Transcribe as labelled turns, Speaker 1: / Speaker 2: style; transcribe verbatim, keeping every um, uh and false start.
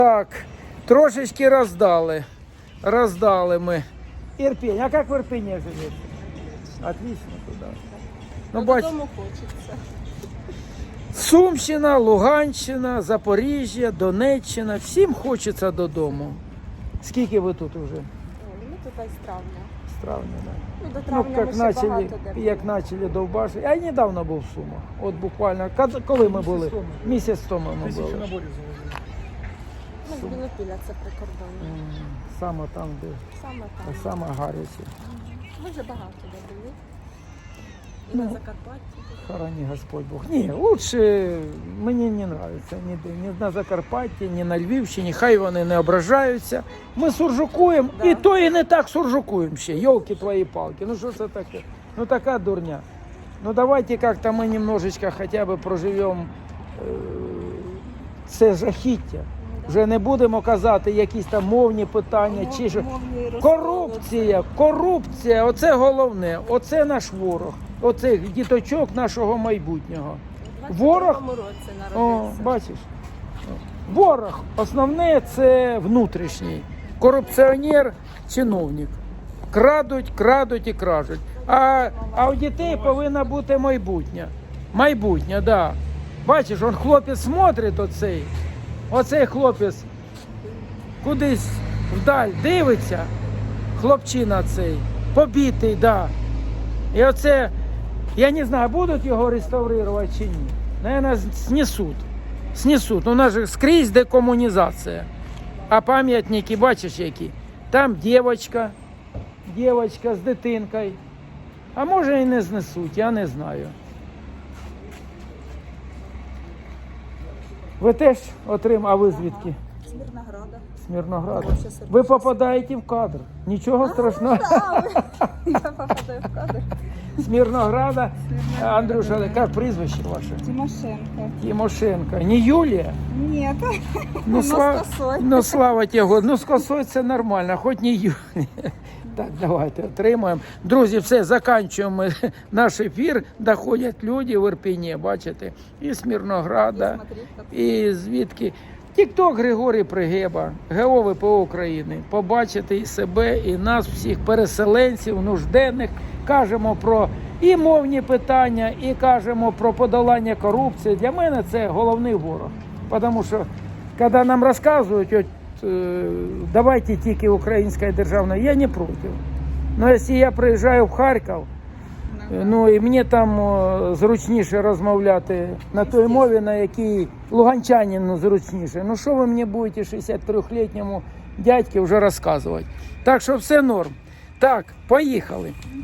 Speaker 1: Так, трошечки роздали. Роздали ми. Ірпінь. А як в Ірпені живете? Отлично туди. Ну, бач...
Speaker 2: Додому хочеться.
Speaker 1: Сумщина, Луганщина, Запоріжжя, Донеччина. Всім хочеться додому. Скільки ви тут вже?
Speaker 2: Ой, ми тут з травня.
Speaker 1: З травня, так.
Speaker 2: Ну, до
Speaker 1: Ну,
Speaker 2: травня
Speaker 1: як
Speaker 2: ми ще
Speaker 1: начали,
Speaker 2: багато де були.
Speaker 1: як почали довбашити. Я недавно був в Сумах. От буквально, кад- коли ми були? Місяць тому ми
Speaker 3: Тисячу
Speaker 1: були.
Speaker 3: наборів завозили.
Speaker 2: Ми з Білопілля, це прикордоння.
Speaker 1: М, Саме там, де
Speaker 2: Саме там.
Speaker 1: саме гаряче.
Speaker 2: Ми вже багато де були. І
Speaker 1: Ну,
Speaker 2: на Закарпатті.
Speaker 1: Хорони Господь Бог. Ні, лучше мені не подобається ніде. Ні на Закарпатті, ні на Львівщині. Хай вони не ображаються. Ми суржукуємо,
Speaker 2: Да.
Speaker 1: і то і не так суржукуємо ще. Йолки твої палки. Ну що це таке? Ну така дурня. Ну давайте как-то мы немножечко хотя бы проживемо е, це жахіття. Вже не будемо казати якісь там мовні питання чи що.
Speaker 2: Мовний розкол.
Speaker 1: Корупція, корупція, оце головне, оце наш ворог, оцих діточок нашого майбутнього.
Speaker 2: У
Speaker 1: Ворог,
Speaker 2: двадцять другому році
Speaker 1: о,
Speaker 2: народився.
Speaker 1: бачиш, ворог, основне це внутрішній, корупціонер, чиновник. Крадуть, крадуть і кражуть. А, а у дітей повинно бути майбутнє. Майбутнє, так. Да. Бачиш, он хлопець смотрить оцей, оцей хлопець кудись вдаль дивиться, хлопчина цей, побитий, да. І оце, я не знаю, будуть його реставрувати чи ні. Наверное, снесуть. Снесуть. У нас же скрізь декомунізація. А пам'ятники, бачиш які? Там дівчинка, дівчинка з дитинкою. А може і не знесуть, я не знаю. Ви теж отримали, а ви звідки?
Speaker 2: З Мирнограда.
Speaker 1: З Мирнограда.
Speaker 2: Ой, щас я
Speaker 1: Ви
Speaker 2: дуже
Speaker 1: попадаєте в кадр. Нічого страшного.
Speaker 2: Я попадаю в кадр.
Speaker 1: З Мирнограда. Андрюша, яке прізвище ваше?
Speaker 2: Тимошенко.
Speaker 1: Тимошенко. Не Юлія?
Speaker 2: Нет.
Speaker 1: Ну,
Speaker 2: Ну, з
Speaker 1: сла...
Speaker 2: косою.
Speaker 1: ну слава тебе. Ну, з косою це нормально, хоч не Юлія. Так, давайте отримаємо. Друзі, все, закінчуємо наш ефір. Доходять люди в Ірпені, бачите, і з Мирнограда, і звідки. Тікток Григорій Пригеба, ГО ВПО України. Побачити і себе, і нас, всіх переселенців, нужденних. Кажемо про і мовні питання, і кажемо про подолання корупції. Для мене це головний ворог. Тому що, коли нам розказують, от, е, давайте тільки українською державною, я не проти. Но якщо я приїжджаю в Харків, ну і мені там о, зручніше розмовляти на той мові, на якій луганчанину зручніше. Ну що ви мені будете шістдесятитрьохлітньому дядьки вже розказувати? Так що все норм. Так, поїхали.